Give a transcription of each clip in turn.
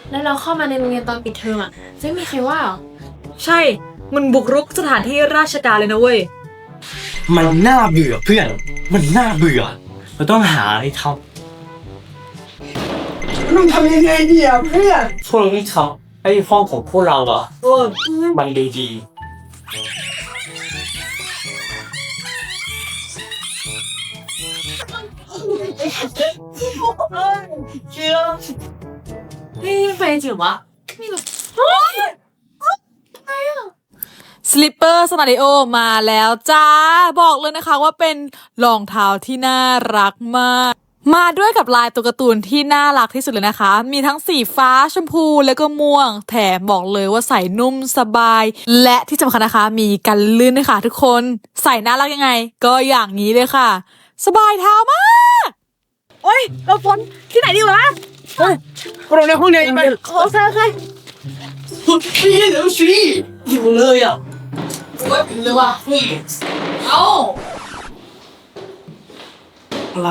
แล้วเราเข้ามาในโรงเรียนตอนปิดเทอมอ่ะจะไม่มีใครว่าหรอใช่มันบุกรุกสถานที่ราชการเลยนะเว้ยมันน่าเบื่อเพื่อนมันน่าเบื่อเราต้องหาอะไรทำมึงทำยังไงดีอ่ะเพื่อนพวกเราต้องทำให้ห้องของพวกเราอ่ะมันดีนี่ไปจริงวะนี่แบบสลิปเปอร์สนาริโอมาแล้วจ้าบอกเลยนะคะว่าเป็นรองเท้าที่น่ารักมากมาด้วยกับลายตัวการ์ตูนที่น่ารักที่สุดเลยนะคะมีทั้งสีฟ้าชมพูแล้วก็ม่วงแถมบอกเลยว่าใส่นุ่มสบายและที่สำคัญนะคะมีกันลื่นด้วยค่ะทุกคนใส่น่ารักยังไงก็อย่างนี้เลยค่ะสบายเท้ามากโอ้ยเราฝนที่ไหนดีวะโรงเรียนห้องเรียนอีกไปขอแซ่ใครพี่เดี๋ยวสิหิวเลยอ่ะเลยว่ะเอาอะไร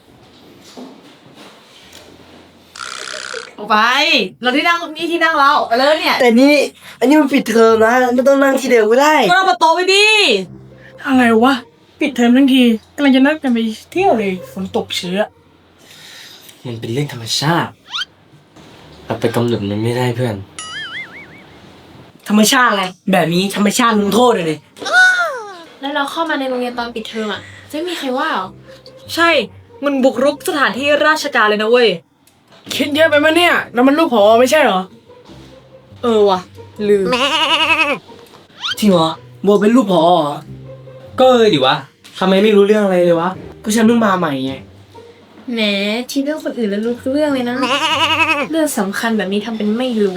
ออกไปเราที่นั่งนี่ที่นั่งเราไปเลยเนี่ยแต่นี่อันนี้มันปิดเทอมนะไม่ต้องนั่งที่เดิมก็ได้ก็เอามาโต๊ะไปดิอะไรวะปิดเทอมทั้งทีกำลังจะนัดกันไปเที่ยวเลยฝนตกเชื้อมันเป็นเรื่องธรรมชาติเราไปกำหนดมันไม่ได้เพื่อนธรรมชาติอะไรแบบนี้ธรรมชาติลงโทษเลยแล้วเราเข้ามาในโรงเรียนตอนปิดเทอมอ่ะจะไม่มีใครว่าหรอใช่มันบุกรุกสถานที่ราชการเลยนะเว้ยคิดเยอะไปมั้ยเนี่ยแล้วมันลูกผอไม่ใช่เหรอว่ะลืมจริงเหรอโบเป็นลูกผอก็ดิวะทำไมไม่รู้เรื่องอะไรเลยวะก็ฉันเพิ่งมาใหม่ไงแหมทีเรื่องคนอื่นแล้วรู้เรื่องเลยนะเรื่องสำคัญแบบนี้ทำเป็นไม่รู้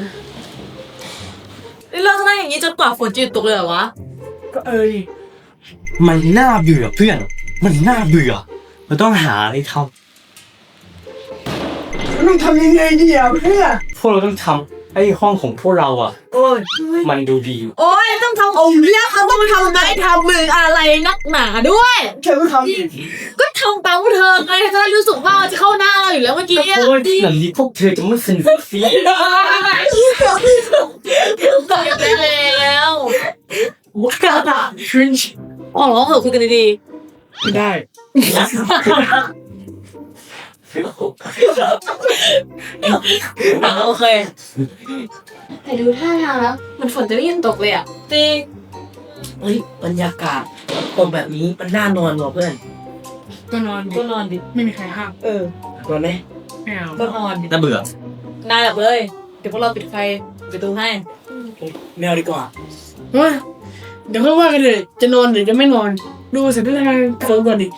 เราจะนั่งอย่างนี้จนกว่าฝนจะหยุดตกเลยเหรอวะก็ดิมันน่าเบื่อเพื่อนมันน่าเบื่อเราต้องหาอะไรทำมึงทำยังไงดีอ่ะเพื่อนพวกเราต้องทำให้ห้องของพวกเราอ่ะมันดูดีโอ้ยต้องทำองค์เรียกเขาต้องทำไมทำมืออะไรนักหนาด้วยเธอต้องทำก็ทำตามเธอไงจะรู้สึกว่าจะเข้าหน้าเราอยู่แล้วเมื่อกี้โอ้ยแบบนี้พวกเธอจะไม่สนุกสิตายแล้วว้าวครินช์อ๋อเหรอเหรอคุยกันดีๆไม่ได้โอเคแต่ดูท่าทางแล้วมันฝนจะไม่ยังตกเลยอ่ะจริงเฮ้ยบรรยากาศตรงแบบนี้มันน่านอนว่ะเพื่อนก็นอนดิไม่มีใครห้ามนอนไหมไม่เอาก็นอนดิน่าเบื่อนายหลับเลยเดี๋ยวพวกเราปิดไฟปิดประตูให้ไม่เอาดีกว่าว่าเดี๋ยวค่อยว่ากันเลยจะนอนหรือจะไม่นอนดูเสร็จแล้วทางโฟนก่อนดิ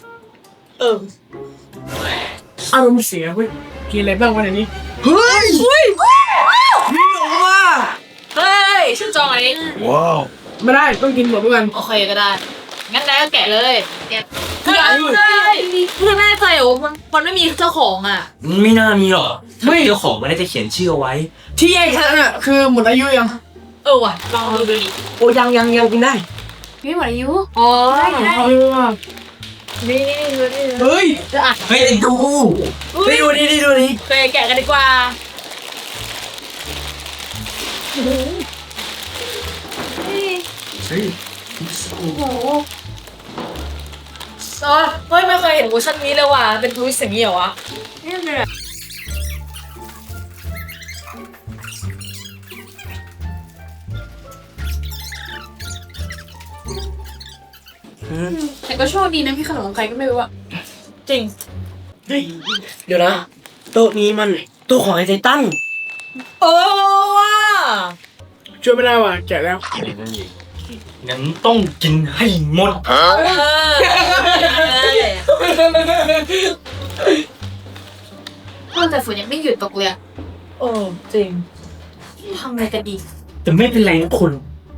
อารมณ์เสียเว้ยกินอะไรบ้างวันนี้เฮ้ยนี่หรอวะเฮ้ยชื่อจองอันนี้ว้าวไม่ได้ต้องกินหมดทุกวันโอเคก็ได้งั้นนายก็แกะเลยแกะเพื่อนแน่ใจเหรอมันไม่มีเจ้าของอ่ะไม่น่ามีหรอกถ้าเจ้าของมันน่าจะเขียนชื่อเอาไว้ที่แยกฉันอ่ะคือหมดอายุยังว่ะลองดูดิโอ้ยังกินได้ไม่หมดอายุได้นี่เฮ้ยเฮ้ยดูนี่เคยแกะกันดีกว่าเฮ้ยโอ้โหไม่เคยเห็นเวอร์ชันนี้เลยว่ะเป็นทวิสต์อย่างนี้เหรอวะนี่เลยแต่ก็โชคดีนะพี่ขนมของใครก็ไม่รู้อะจริงเดี๋ยวนะโต๊ะนี้มันโต๊ะของไอ้ไททันว่ะช่วยไม่ได้ว่ะแกะแล้วงั้นต้องกินให้หมดแต่ฝนยังไม่หยุดตกเลยจริงทำอะไรกันดีแต่ไม่เป็นไรนะคุณ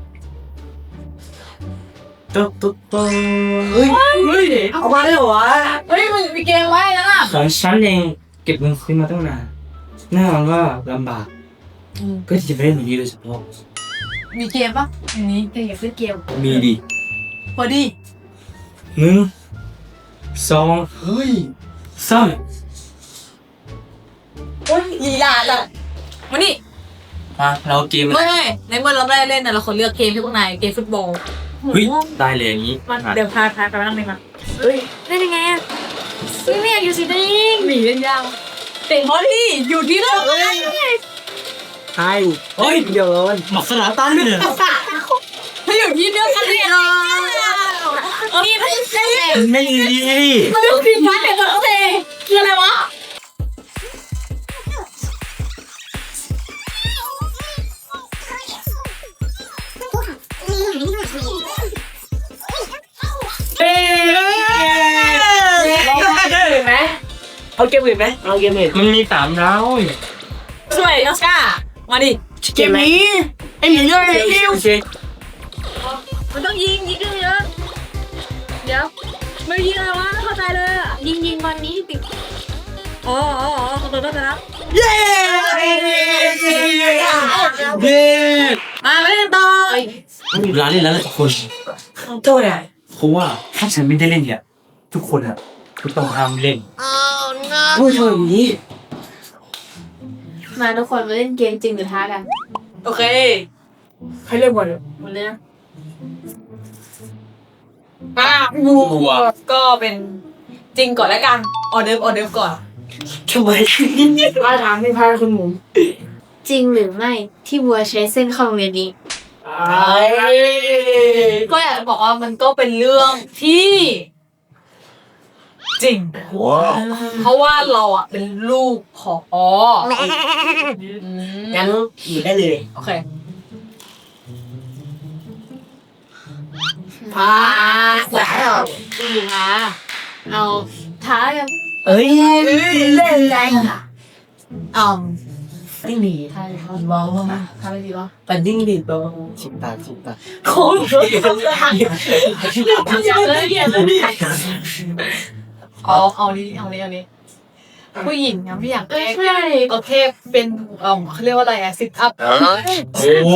ตุ๊กเฮ้ยเอามาได้เหรอวะมึงมีเกมไว้แล้วล่ะของฉันเองเก็บเงินซื้อมาตั้งนานแน่นอนว่าลำบากเพื่อที่จะไปเล่นอย่างนี้โดยเฉพาะมีเกมปะอย่างนี้อยากเล่นเกมมีดิพอดี 1 23 โอ้ยอย่าจ้ะมานี่มาเราเกมไม่ในเมื่อเราไม่ได้เล่นนะเราคนเลือกเกมที่พวกนายเกมฟุตบอลเฮ้ยได้เลยอย่างนี้มันเดี๋ยวพาไปนั่งเลยมาเฮ้ยเล่นยังไงอ่ะไม่อยากอยู่สีแดงหนีเล่นยาวเตะบอลที่อยู่ที่นั่นใช่เฮ้ยเดี๋ยวมันหมักสนามตันเนี่ยถ้าอยู่ที่เดียวกันเนี่ยนี่ไม่ใช่ไม่ดีมันต้องผิดพลาดแต่ตัวเองคืออะไรวะเอาเกมอื่นไหมเอาเกมอื่นมันมี3ดาวสวยออสการ์มาดิเกมนี้ไอ้หนีเลยคิวโอเคมันต้องยิงกันเยอะเดี๋ยวไม่ยิงอะไรวะเข้าใจเลยอ่ะยิงวันนี้ติดอ๋อขอโทษนะเย้เย้มาเล่นต่อเวลาเล่นแล้วทุกคนโทษอ่ะเพราะว่าถ้าฉันไม่ได้เล่นเนี่ยทุกคนอ่ะก็ต้องห้ามเล่นพูดเธออย่างนี้มาทุกคนมาเล่นเกมจริงหรือท้ากันโอเคใครเล่นบอลหมดเลยนะกลัวก็เป็นจริงก่อนแล้วกันออเดิร์ฟก่อนทำไมมาถามไม่พาคุณหมุนจริงหรือไม่ที่บัวใช้เส้นเข้าโรงเรียนนี้ก็อยากจะบอกว่ามันก็เป็นเรื่องที่จริง เพราะว่าเราอ่ะเป็นลูกผองั้นอยู่ได้เลยโอเคพาแล้วจริงหรือท้าเอาท้ากันเอ้ยเล่นแรงอ่ะ ไม่มีท้าเลยเขามองว่าท้าไปดีวะปันดิ้งดีตัวชิบตาโค้งเอานี้ผู้หญิงยังไม่อยากเอ้ยช่วยก็แค่เป็นเขาเรียกว่าอะไรอะซิทอัพโอ้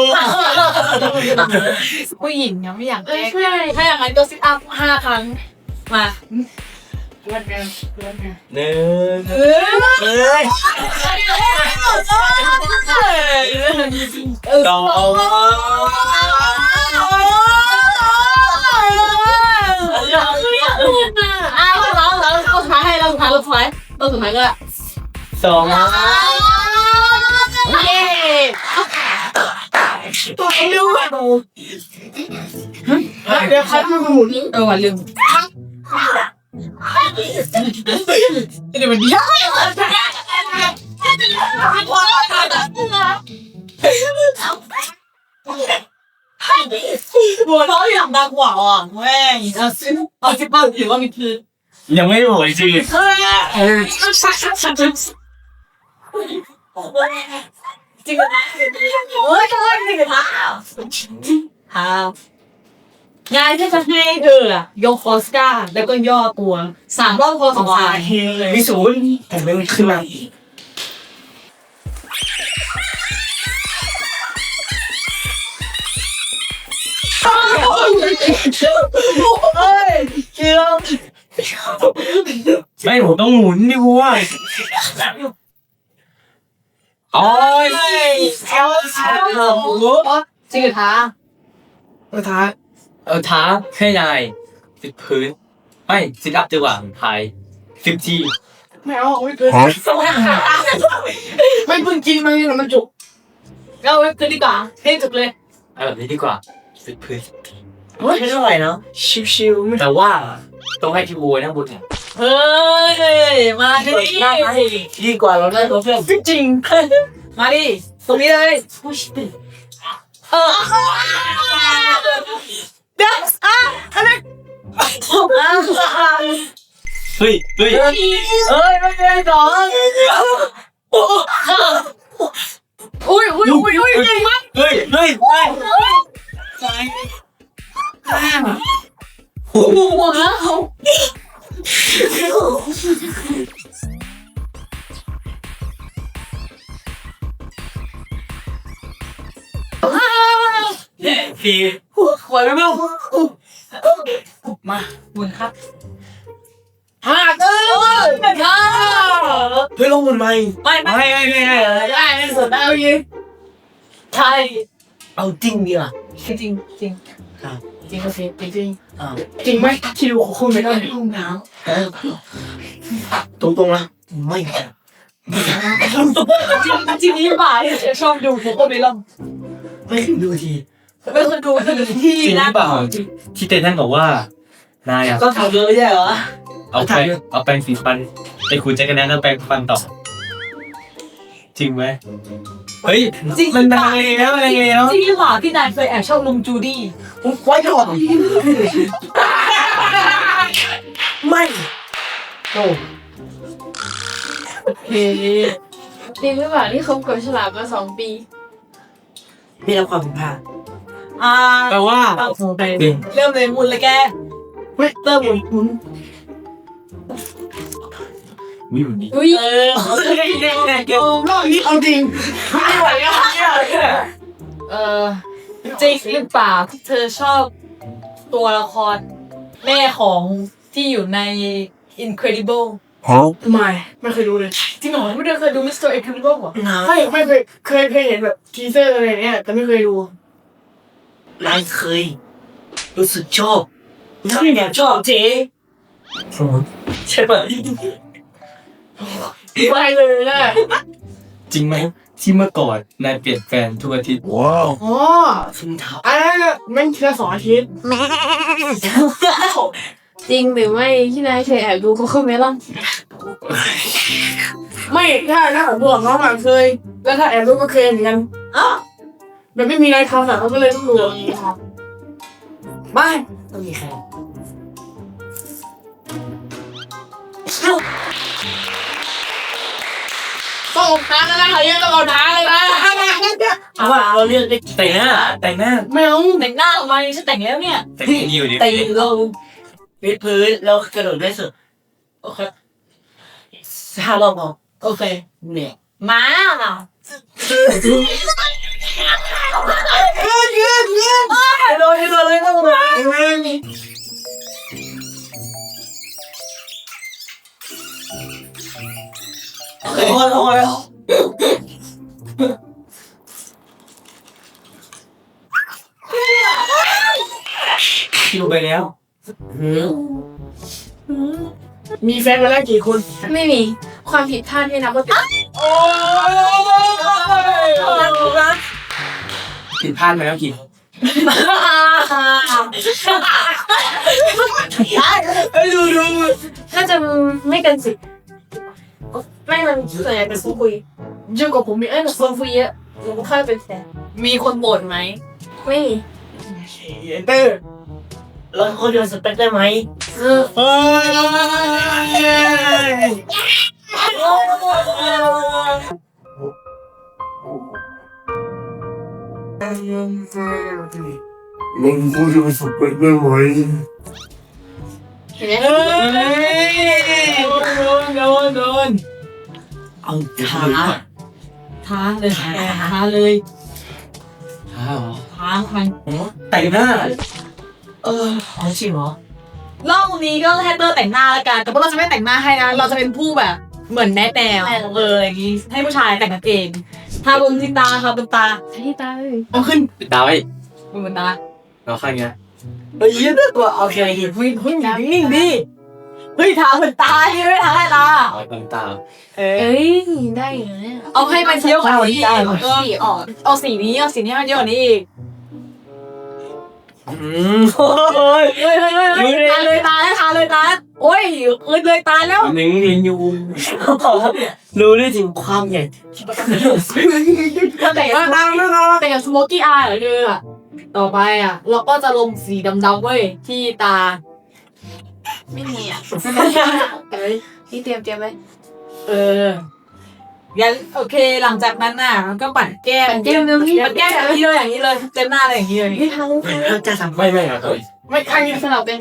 ผู้หญิงยังไม่อยากเอ้ยช่วยถ้าอย่างนั้นก็ซิทอัพ5 ครั้งมาเล่นกันหนึ่งเอ้ยสองเราสุดท้ายให้เราสุดท้ายก็สองเย้ตัวไอ้ลูกเดี๋ยวใครเป็นหมุนวันลืมเดี๋ยวมันดีบัวน้อยอย่างดังกว่าอ่ะแม่งเอาซิปเปอร์หรือว่ามีคือยังไม่หมดจริงจริงนะเฮ้ยจริงนะงานที่จะให้เธออะยกออสการ์แล้วก็ย่อตัว3 รอบพอสมควรมีศูนย์แต่ไม่ขึ้นมาเฮ้ยเชียวไม่ผมต้องหมุนดิวัวโอ้ยจริงเหรอคะท้าท้าให้นายติดพื้นไม่ซิทอัพดีกว่าถ่าย10 ทีไม่เอาไม่เกินไม่เพิ่งกินมาเนี่ยมันจุกเอาไว้คืนดีกว่าให้จุกเลยเอาแบบนี้ดีกว่าติดพื้นไม่เท่าไหร่เนาะชิวๆไม่แต่ว่าต้องให้พี่วัวนั่งบนเนี่ยเฮ้ยมาดิดีกว่าเราได้ตัวเพื่อนจริงมาดิตรงนี้เลยเด็กอะไรเฮ้ยเอ้ยไม่เป็นสองอุ้ยจริงมั้ยเฮ้ยหัวเขาพี่หัวไม่รู้มาบุญครับหักเฮ้ยลงหมดไหมไม่ได้ในสุดได้ยินใช่เอาจริงดีอ่ะจริงจริงจริงโอเคจริงจริงอ้าวจริงไหมที่ดูของคุณไม่ได้ห้องน้ตรงๆนะไม่จริงนี้บ่ายชอบดูโคโค่เมลอนไม่ดูทีเป็นคนดูที่จริงหนะรือเปล่าที่เต้นท่านบอกว่านายอะก็ทำเลยไม่ใช่เหรอเอาแปรงสีฟันไปขูดแจ็คกันแนนแล้วแปรงฟันต่อจริงไหมเฮ้ยมันนายแล้วอะไรแล้วจริงหรือเปล่าที่นายเคยแอบชอบลุงจูดี้ผมไว้ก่อนไม่โอ้ำโอเคจริงหรือเปล่าที่คบกับฉลามมา2 ปีไม่รับความผิดพลาดแปลว่า จริงเริ่มเลยมุนเลยแกเฮ้ยเติมหมุนวิวนี้อุ้ยรอบนี้เอาจริงไม่ไหวแล้วเนี่ยจริงหรือเปล่าที่เธอชอบตัวละครแม่ของที่อยู่ใน Incredible ไม่เคยดูเลยจริงเหรอไม่ได้เคยดู Mr. Incredible เหรอไม่เคยเห็นแบบทีเซอร์อะไรเนี้ยแต่ไม่เคยดูนายเคยรู้สึกชอบนั่นเนี่ยชอบเจ๊ใช่ป่ะไม่เลยนะจริงไหมที่เมื่อก่อนนายเปลี่ยนแฟนทุกอาทิตย์อ๋อซึ่งเท้าอันนั้นแม่งทีละ2 อาทิตย์จริงหรือไม่ที่นายเคยแอบดูโคโค่เมลอนไม่ถ้าผมบอกน้องอ่ะเคย แล้วถ้าแอบดูก็เคยเหมือนกันแบบไม่มีอะไรทำอ่ะเขาก็เลยต้องดูอย่างนี้ครับไม่ต้องมีใครต้องอดท้าแล้วนะเขาเรียกต้องอดท้าเลยนะเอาว่าเราเลือกได้แต่งหน้าไม่เอาแต่งหน้าทำไมฉันแต่งแล้วเนี่ยแต่ที่อยู่ดิแต่งเราวิดพื้นแล้วกระโดดได้สุดโอเค 5 รอบพอโอเคเนี่ยมาโดนเลยต้องมาโอ้ยคิวไปแล้วมีแฟนมาแล้วกี่คนไม่มีความผิดพลาดไม่นับว่าเป็นผิดพลาดไปแล้วกี่ดูน่าจะไม่เกิน10ไม่มันส่วนใหญ่เป็นคุยเยอะกว่าผมมีคนคุยเยอะหนูค่อยเป็นแฟนมีคนบ่นไหมไม่มีเตอร์เราคนเดียวสเปคได้ไหมมึงพูดจะไปสเปคได้ไหมเห็นไหมโดนเอาท้าท้าเลยท้าเลยท้าเหรอท้าใครแต่งหน้าเอาจริงเหรอรอบนี้ก็ให้เตอร์แต่งหน้าแล้วกันแต่ว่าเราจะไม่แต่งหน้าให้นะเราจะเป็นผู้แบบเหมือนแนะแนวอย่างงี้ให้ผู้ชายแต่งกันเองทาบนที่ตาค่ะบนตาที่ตาเลยเอาขึ้นปิดตาไว้บนตาเราข้างเงี้ยเฮ้ยยืดตัวโอเคเฮ้ยนิ่งดิเฮ้ยทาบนตาที่ไม่ทาให้ตาเอาตรงตาเอ้ยได้อยู่เนี่ยเอาให้มันเยอะกว่านี้สีอ่อนเอาสีนี้ให้มันเยอะกว่านี้อีกโอ้ยเฮ้ยทาเลยตาแล้วทาเลยตาโอ้ยเลยตาแล้วหนึ่งลิงยูรู้ได้ถึงความใหญ่แต่อย่างสโมกี้อายเหรอเธออะต่อไปอ่ะเราก็จะลงสีดำๆเว้ยที่ตาไม่มีอ่ะเอ้ยพี่เตรียมไว้งั้นโอเคหลังจากนั้นน่ะก็ปัดแก้มเตรียมพี่ปัดแก้มอย่างนี้เลยเต็มหน้าเลยอย่างนี้เลยพี่ทำเราจะทำไม่ครับไม่ข้างนี้สลับเป็น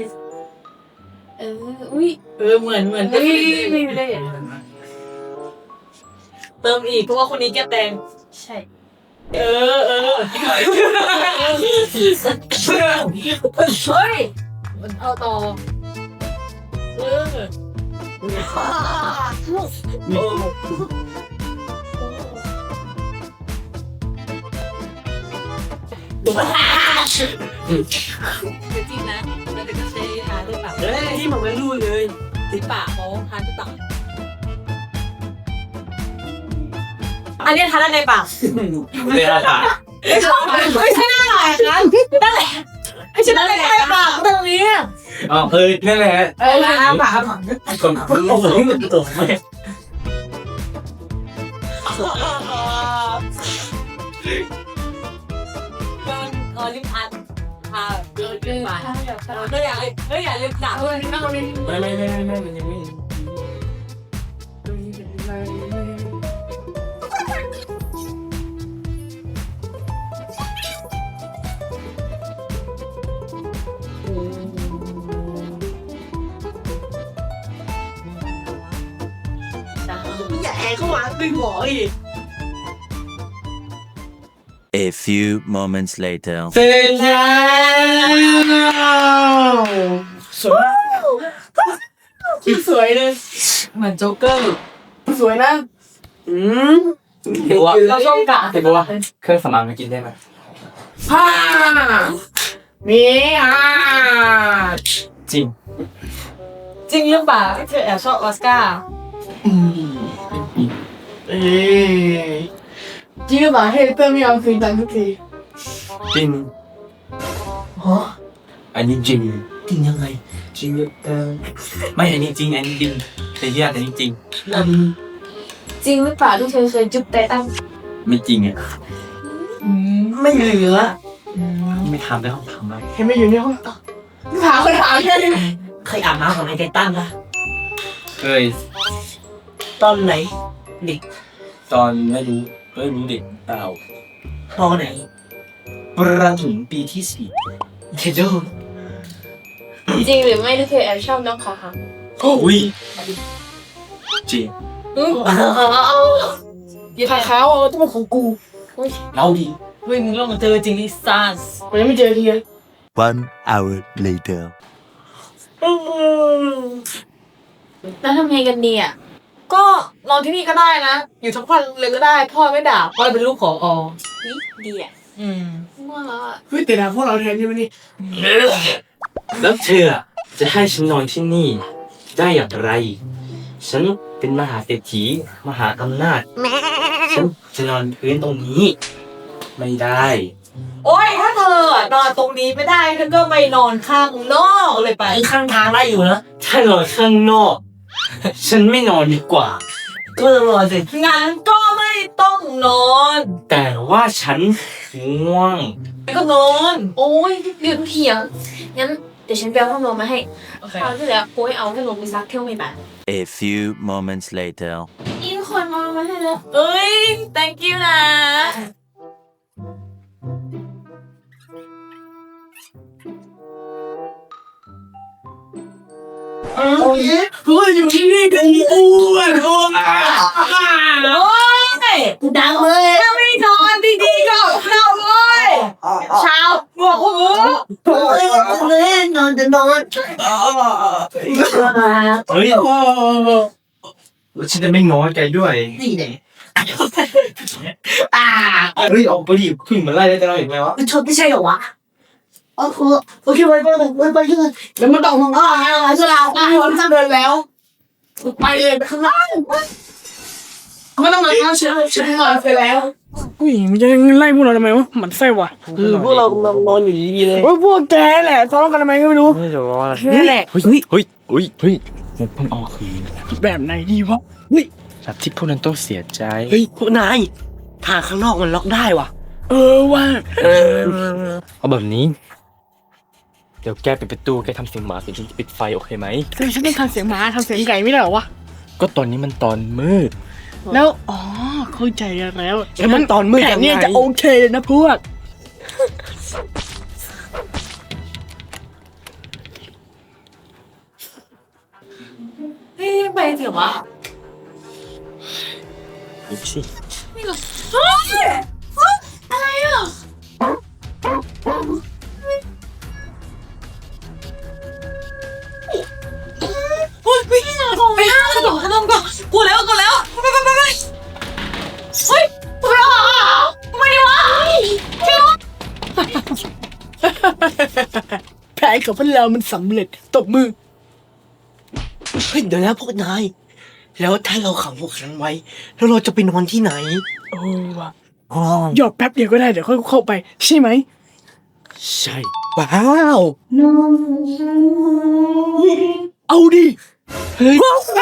อุ้ยเหมือนไม่ได้เติมอีกเพราะว่าคนนี้แก้แตงใช่เฮ้ยมันเอาต่อจริงนะมันจะใช้ทาด้วยปากเฮ้ยที่มันไม่รู้เลยที่ปากเขาทาที่ปากอันนี้ทาด้านในปากเวลาถ่ายไม่ใช่หน้าหลายครั้งนั่นแหละไม่ใช่ด้านในปากตรงนี้อ๋อนั่นแหละปากคนรู้นี่มันตรงไหมลิ้นพันทาเกินไปก็อยากเล่นหนักไม่มันยังไม่อย่าแอบเข้ามาเป็นหมออีก A few moments later. เสร็จแล้วสวยเลยเหมือนโจ๊กเกอร์สวยนะเห็นว่าเราช่องกะเห็นว่าเครื่องสำอางมันกินได้ไหมผ้ามีจริงจริงหรือเปล่าที่เธอแอบชอบออสการ์จริงหรือเปล่าให้เตอร์ไม่เอาคืนตังค์ทุกทีจริงฮะอันนี้จริงจริงยังไงจริงไม่อันนี้จริงอันนี้จริงแต่ที่อันนี้จริงอันจริงหรือเปล่าที่เธอเคยจุ๊บไตตั้งไม่จริงอ่ะไม่เหลือไม่ทำได้ห้องทำไรเห็นไหมอยู่ในห้องถามคนถามแค่นี้เคยอาบน้ำกับไอ้ไททันปะเคยตอนไหนเด็กตอนไม่รู้เด็กเปล่าตอนไหนประถมปีที่เทโดจริงหรือไม่ที่เธอแอบชอบน้องเขาคะ 4อุ้ยจริงอย่าถ่ายเขาเอาต้องเป็นของกูเราดีเฮ้ยมึงลองมาเจอจริงลิซ่ามันยังไม่เจอทีเลย 1 hour later. แล้วทำไงกันดีอ่ะก็นอนที่นี่ก็ได้นะ อยู่ทั้งวันเลยก็ได้พ่อไม่ด่าพ่อเป็นลูกขออดีอ่ะอืมง่วงแล้วอ่ะเฮ้ยแต่ด่าพวกเราแทนใช่ไหมนี่แล้วเธอจะให้ฉันนอนที่นี่ได้อย่างไร ฉันเป็นมหาเศรษฐีมหาอำนาจ ฉันจะนอนพื้นตรงนี้ ไม่ได้โอ้ยถ้าเธอนอนตรงนี้ไม่ได้เธอก็ไปนอนข้างนอกเลยไปไอ้ข้างทางได้อยู่นะถ้านอนข้างนอก ฉันไม่นอนดีกว่าก็ต้องรอสิงั้นก็ไม่ต้องนอนแต่ว่าฉันง่วงก็นอนโอ้ยเรื่องเถียงงั้นเดี๋ยวฉันไปเอาพัดลมมาให้โอเคคราวที่แล้วกูให้เอาพัดลมไปซักเที่ยวไม่บาน A few moments later. อีกคนเอามาให้แล้วเอ้ย thank you นะโอ้ยเฮ้ยอยู่ที่นี่กันกูอ่ะโอ้ยโอ้ยดังเลยถ้าไม่นอนดีๆก็เข้าเลยเช้าหัวหูโอ้ยนอนจะนอนเฮ้ยแล้วฉันจะไม่ง้อแกด้วยนี่แหละเฮ้ยออกไปดิขึ้นมาไล่ได้จะเราเห็นไหมวะมันชนไม่ใช่เหรอวะโอเคไปเลยแล้วมันต้องมองอ่ะสลาวอ่ะวันจะเดินแล้วไปเลยไปข้างล่างไม่ต้องมาเอาฉันนอนไปแล้วอุ้ยมันจะไล่พวกเราทำไมวะมันไส้ว่ะคือพวกเรานอนอยู่ดีๆเลยโอ้ยพวกแกแหละทะเลาะกันทำไมก็ไม่รู้ไม่รู้ว่านี่แหละเฮ้ยมันเพิ่งเอาคืนแบบไหนดีวะแบบที่พวกนั้นต้องเสียใจเฮ้ยพวกนายทางข้างนอกมันล็อกได้ว่ะว่าเอาแบบนี้ เดี๋ยวแกปิดประตูแกทำเสียงหมาเสียงฉันจะปิดไฟโอเคไหมแต่ฉันต้องทำเสียงหมาทำเสียงไก่ไม่ได้เหรอวะก็ตอนนี้มันตอนมืดแล้วเข้าใจกันแล้วแล้วมันตอนมืดแผยันงไงเนี่ยจะโอเคเลยนะพวกเฮ้ยไปเถอะวะดูสิอะไรอ่ะเฮ้ยไม่ได้ของไม่ได้แผนของพวกเรามันสำเร็จตบมือเฮ้ยเดี๋ยวนะพวกนาย แล้วถ้าเราขังพวกฉันไว้ แล้วเราจะไปนอนที่ไหนโอ้ว่ะหยอกแป๊บเดียวก็ได้เดี๋ยวค่อยเข้าไป ใช่ไหมใช่ ว้าวเอาดิเฮ้ย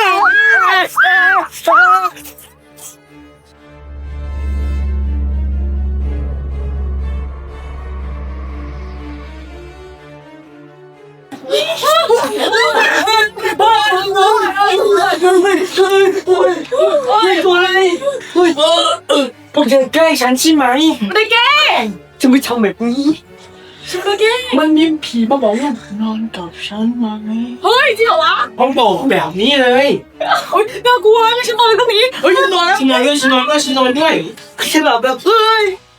พวกเธอแกล้งฉันใช่ไหมไม่ได้แกล้งจะไม่ทำแบบนี้มันมีผีมาบอกว่านอนกับฉันไหมเฮ้ยจริงเหรอวะต้องบอกแบบนี้เลยโอ๊ยน่ากลัวงั้นฉันนอนตรงนี้เฮ้ยฉันนอนแล้วฉันนอนด้วยฉันนอนด้วยฉันนอนด้วยฉันหลับแบบเฮ้ย